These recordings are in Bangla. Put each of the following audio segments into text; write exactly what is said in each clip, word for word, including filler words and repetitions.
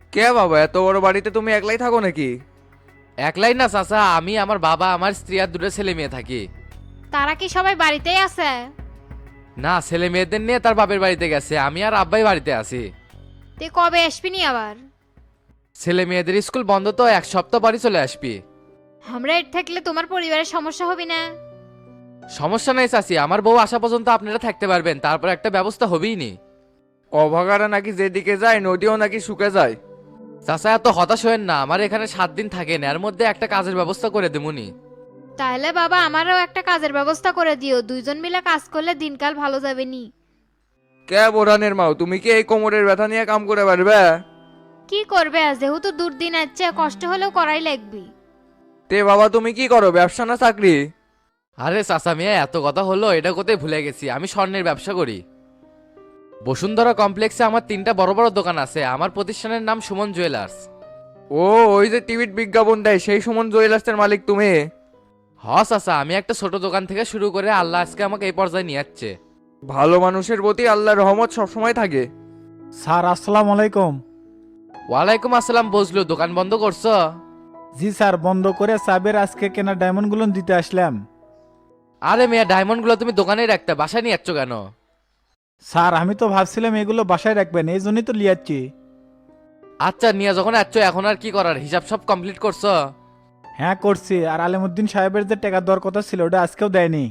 কে বাবা, এত বড় বাড়িতে তুমি একলাই থাকো নাকি? একলাই না চাচা, আমি আমার বাবা আমার স্ত্রী আর দুটো ছেলে মেয়ে থাকি। তারা কি সবাই বাড়িতেই আছে? না, ছেলে মেয়েদের নিয়ে তার বাপের বাড়িতে গেছে, আমি আর আব্বাই বাড়িতে আছি। তুই কবে আসবি নি আবার? ছেলে মেয়েদের স্কুল বন্ধ তো, এক সপ্তাহ পরই চলে আসবি। আমরা এর থাকলে তোমার পরিবারের সমস্যা হবে না? সমস্যা নেই চাচি, আমার বউ আসা পর্যন্ত আপনারা থাকতে পারবেন, তারপর একটা ব্যবস্থা হবেই নি। অভাগারা নাকি যেদিকে যায় নদীও নাকি শুকে যায়। চাচা এত হতাশ হয়েন না, আমার এখানে সাত দিন থাকেন, এর মধ্যে একটা কাজের ব্যবস্থা করে দেবুনি। তাহলে বাবা আমারও একটা কাজের ব্যবস্থা করে দিও, দুইজন মিলে কাজ করলে দিনকাল ভালো যাবে নি। কে বোরানের মাও, তুমি কি এই কোমরের ব্যথা নিয়ে কাম করে পারবে? কি করবে, আজ যেহেতু দুর্দিন আছে কষ্ট হলেও করাই লাগবে। তে বাবা, তুমি কি করো, ব্যবসা না চাকরি? আরে চাচা মিয়া, এত কথা হলো, এটা কোথায় ভুলে গেছি, আমি স্বর্ণের ব্যবসা করি। বসুন্ধরা কমপ্লেক্সে আমার তিনটা বড় বড় দোকান আছে, আমার প্রতিষ্ঠানের নাম সুমন জুয়েলার্স। ও, ওই যে টিভির বিজ্ঞাপন দেয় সেই সুমন জুয়েলার্সের মালিক তুমি? হ চাচা, আমি একটা ছোট দোকান থেকে শুরু করে আল্লাহ আজকে আমাকে এই পর্যায়ে নিয়ে যাচ্ছে। ভালো মানুষের প্রতি আল্লাহর রহমত সবসময় থাকে। স্যার আসসালামু আলাইকুম। ওয়ালাইকুম আসসালাম। বসলো, দোকান বন্ধ করছো? জি স্যার, বন্ধ করে সাবের আজকে কেনা ডায়মন্ডগুলো দিতে আসলাম। আরে মেয়া, ডায়মন্ডগুলো তুমি দোকানেই রাখতে, বাসায় নিয়ে যাচ্ছ কেন? স্যার আমি তো ভাবছিলাম এগুলো বাসায় রাখবেন, এই জন্যই তো লিয়াচ্ছি। আচ্ছা, নিয়ে যখন যাচ্ছ এখন আর কি করার, হিসাব সব কমপ্লিট করছো? হ্যাঁ করছি, আর আলিমুদ্দিন সাহেবের যে টাকা দেওয়ার কথা ছিল ওটা আজকেও দেয়নি।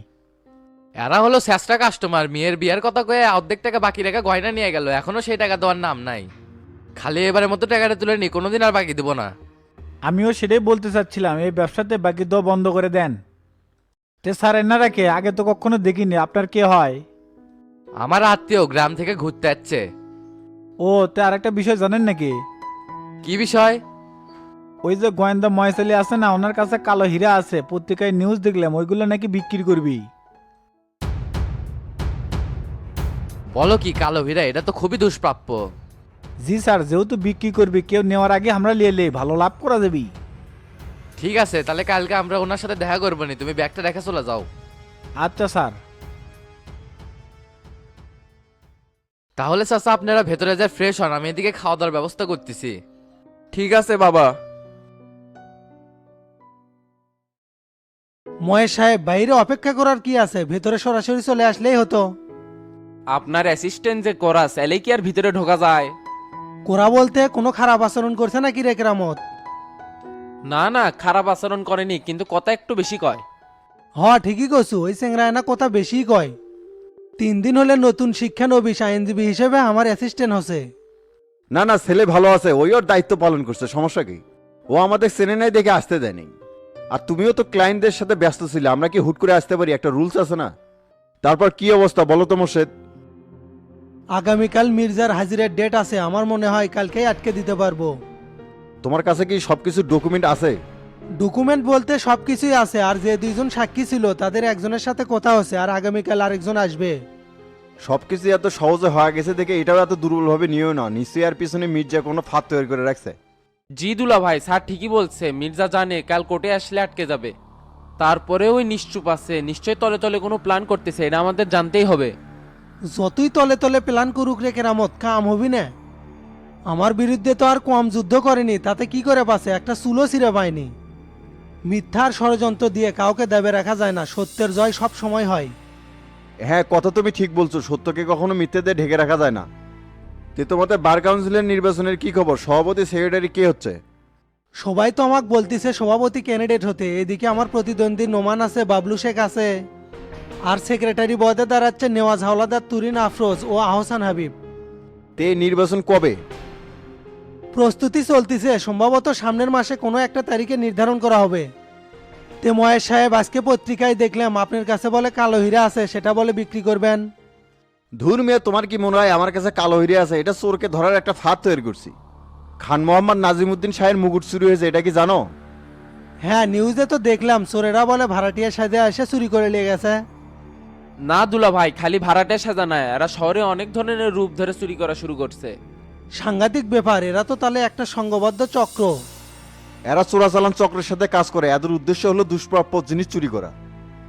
এরা হলো শেষটা কাস্টমার, মেয়ের বিয়ের কথা কয়ে অর্ধেক টাকা বাকি রেখে গয়না নিয়ে গেল, এখনো সেই টাকা দেওয়ার নাম নাই। খালি এবারের মতো টাকাটা তুলে নি, কোনোদিন আর বাকি দেবো না। আমিও সেটাই বলতে চাচ্ছিলাম, এই ব্যবসাতে বাকি দেওয়া বন্ধ করে দেন। তে স্যার এনারা কে, আগে তো কখনো দেখিনি, আপনার কে হয়? আমার আত্মীয়, গ্রাম থেকে ঘুরতে যাচ্ছে। ও, তে আর একটা বিষয় জানেন নাকি? কি বিষয়? ওই যে গোয়েন্দা মহেশালি আছে না, ওনার কাছে কালো হীরা আছে, পত্রিকায় নিউজ দেখলাম, ওইগুলো নাকি বিক্রি করবি। বলো কি, কালো হীরা? এটা তো খুবই দুষ্প্রাপ্য। জি স্যার, যেহেতু বিক্রি করবি, কেউ নেওয়ার আগে আমরা লিয়ে লে, ভালো লাভ করা যাবি। ঠিক আছে, তাহলে কালকে আমরা ওনার সাথে দেখা করবো নি, তুমি ব্যাগটা রেখে চলে যাও। আচ্ছা স্যার। তাহলে চাচা আপনারা ভেতরে যায় ফ্রেশ হন, আমি এদিকে খাওয়া দাওয়ার ব্যবস্থা করতেছি। ঠিক আছে বাবা। মহেশ সাহেব, বাইরে অপেক্ষা করার কি আছে, ভেতরে সরাসরি চলে আসলেই হতো। আপনার অ্যাসিস্ট্যান্ট যে করাস এলে কি আর ভিতরে ঢোকা যায়? কোরা বলতে কোনো খারাপ আচরণ করছে নাকি রে কেরামত? না না, খারাপ আচরণ করেনি, কিন্তু কথা একটু বেশি কয়। হ ঠিকই কছু, ওই চেংরায়না কথা বেশি কয়। তিন দিন হলে নতুন শিক্ষানবিশ আইনজীবী হিসেবে আমার অ্যাসিস্ট্যান্ট হচ্ছে। না না, ছেলে ভালো আছে, ওই ওর দায়িত্ব পালন করছে, সমস্যা কি? ও আমাদের চেনে নাই দেখে আসতে দেয়নি। আর তুমিও তো ক্লায়েন্টদের সাথে ব্যস্ত ছিলে, আমরা কি হুট করে আসতে পারি? একটা রুলস আছে না। তারপর কি অবস্থা বলো তো মোর্শেদ? আগামীকাল মির্জার হাজিরের ডেট আছে, আমার মনে হয় কালকেই আটকে দিতে পারবো। তোমার কাছে কি সবকিছু ডকুমেন্ট আছে? ডকুমেন্ট বলতে সব কিছুই আছে, আর যে দুইজন সাক্ষী ছিল তাদের একজনের সাথে কথা হচ্ছে, আর আগামীকাল আরেকজন আসবে। সবকিছু এত সহজে হয়ে গেছে দেখে এটাও এত দুর্বলভাবে নিয়েও না, নিশ্চয়ই আর পিছনে মির্জা কোনো ফাঁদ তৈরি করে রাখছে। জি দুলা ভাই, স্যার ঠিকই বলছে, মির্জা জানে কাল কোর্টে আসলে আটকে যাবে। তারপরে ওই নিশ্চুপ আছে, নিশ্চয় তলে তলে কোনো প্ল্যান করতেছে, এটা আমাদের জানতেই হবে। যতই তলে তলে প্ল্যান করুক রে কেরামত, কাম হবি না। আমার বিরুদ্ধে তো আর কম যুদ্ধ করেনি, তাতে কি করে বাঁচে, একটা চুলো ছিঁড়ে পায়নি। মিথ্যার ষড়যন্ত্র দিয়ে কাউকে দেবে রাখা যায় না, সত্যের জয় সব সময় হয়। হ্যাঁ, কথা তুমি ঠিক বলছো, সত্যকে কখনো মিথ্যেতে ঢেকে রাখা যায় না। তে তোমাদের বার কাউন্সিলের নির্বাচনের কি খবর? সভাপতি সেক্রেটারি কে হচ্ছে? সবাই তো আমাকে বলতিছে সভাপতি ক্যান্ডিডেট হতে, এদিকে আমার প্রতিদ্বন্দ্বী নোমান আছে, বাবলু শেখ আছে, আর সেক্রেটারি পদে দাঁড়াচ্ছে নেওয়াজ হাওলাদার, তুরিন আফরোজ ও আহসান হাবিব। তে নির্বাচন কবে? প্রস্তুতি চলতিছে, সম্ভবত সামনের মাসে কোনো একটা তারিখে নির্ধারণ করা হবে। তে মহেশ সাহেব, আজকে পত্রিকায় দেখলাম আপনার কাছে বলে কালো হীরা আছে, সেটা বলে বিক্রি করবেন। ধুর মেয়ে, তোমার কি মনে হয় আমার কাছে কালো হিরে আছে? এটা চোরকে ধরার একটা ফাঁদ তৈরি করছি। খান মোহাম্মদ নাজিমুদ্দিন শাহের মুকুট চুরি হয়েছে, এটা কি জানো? হ্যাঁ, নিউজে তো দেখলাম, চোরেরা বলে ভাড়াটিয়া সাজে এসে চুরি করে নিয়ে গেছে। না দুলা ভাই, খালি ভাড়াটে সাজা নয়, এরা শহরে অনেক ধরনের রূপ ধরে চুরি করা শুরু করছে। সাংঘাতিক ব্যাপার, এরা তো তাহলে একটা সংঘবদ্ধ চক্র। এরা চোরাচালান চক্রের সাথে কাজ করে, এদের উদ্দেশ্য হলো দুষ্প্রাপ্য জিনিস চুরি করা।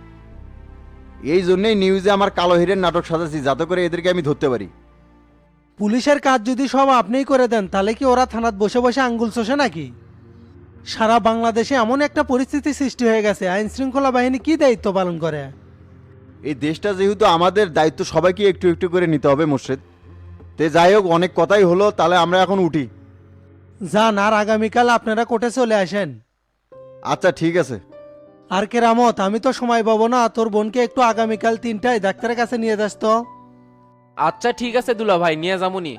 এই জন্যই নিউজে আমার কালো হিরের নাটক সাজাচ্ছি, যাতে করে এদেরকে আমি ধরতে পারি। পুলিশের কাজ যদি সব আপনিই করে দেন তাহলে কি ওরা থানাত বসে বসে আঙ্গুল চষে নাকি? সারা বাংলাদেশে এমন একটা পরিস্থিতি সৃষ্টি হয়ে গেছে, আইন শৃঙ্খলা বাহিনী কি দায়িত্ব পালন করে? এই দেশটা যেহেতু আমাদের, দায়িত্ব সবাইকে একটু একটু করে নিতে হবে মোর্শেদ। তে যাই হোক, অনেক কথাই হলো, তাহলে আমরা এখন উঠি। যান, আর আগামীকাল আপনারা কোর্টে চলে আসেন। আচ্ছা ঠিক আছে। আর কেরামত, আমি তো সময় পাবো না, তোর বোনকে একটু আগামীকাল তিনটায় ডাক্তারের কাছে নিয়ে যাস তো। আচ্ছা ঠিক আছে দুলা ভাই, নিয়ে যামুনি।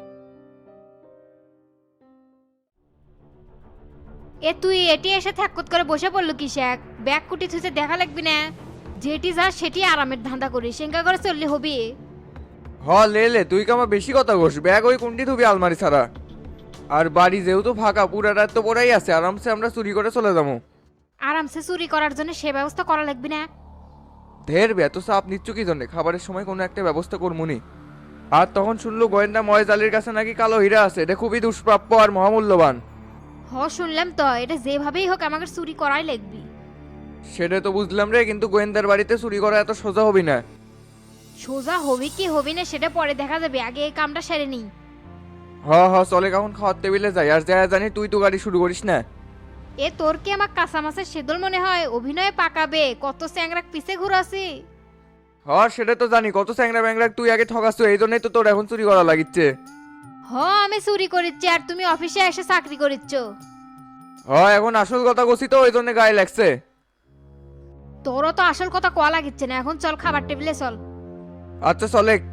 এ তুই এটি এসে থাকত করে বসে পড়লো কিসেক? ব্যাগ কুটি থুইতে দেখা লাগবি না? যেটি যা সেটি আরামের ধান্দা করিস, সেঙ্গা করে চললে হবি। হ লে লে, তুই কামা বেশি কথা ঘোষ। ব্যাগ ওই কুন্ডি থুবি আলমারি ছাড়া। আর বাড়ি যেহেতু ফাঁকা, পুরা রাত তো পড়াই আছে, আরামসে আমরা চুরি করে চলে যাবো। আরামসে চুরি করার জন্য সে ব্যবস্থা করা লাগবি না? ঢের বে, এত চাপ নিচ্ছ কি জন্যে? খাবারের সময় কোনো একটা ব্যবস্থা করমুনি। আর তখন শুনলো গোয়েন্দা ময়েজ আলীর কাছে নাকি কালো হীরা আছে, এটা খুবই দুষ্প্রাপ্য আর মহামূল্যবান। হ শুনলাম তো, এটা যেভাবেই হোক আমাকে চুরি করাই লাগবি। সেটা তো বুঝলাম রে, কিন্তু গোয়েন্দার বাড়িতে চুরি করা এত সোজা হবি না। সোজা হবি কি হবি না সেটা পরে দেখা যাবে, আগে এই কামটা সেরে নি। হ হ চলে, কখন খাওয়ার টেবিলে যাই। আর যা জানি তুই তো গাড়ি শুরু করিস না। এ তোর কি আমার কাঁচা মাছের সেদল মনে হয়? অভিনয়ে পাকাবে, কত চ্যাংরাক পিছে ঘুরাছি। হ সেটা তো জানি, কত চ্যাংরা ব্যাংরা তুই আগে ঠকাচ্ছ, এই জন্যই তো তোর এখন চুরি করা লাগিচ্ছে। হ আমি চুরি করিচ্ছি আর তুমি অফিসে এসে চাকরি করিচ্ছ। হ এখন আসল কথা কছি তো, ওই জন্য গায়ে লাগছে। তোরও তো আসল কথা কোয়া লাগিচ্ছে না, এখন চল খাবার টেবিলে চল। আচ্ছা চলে।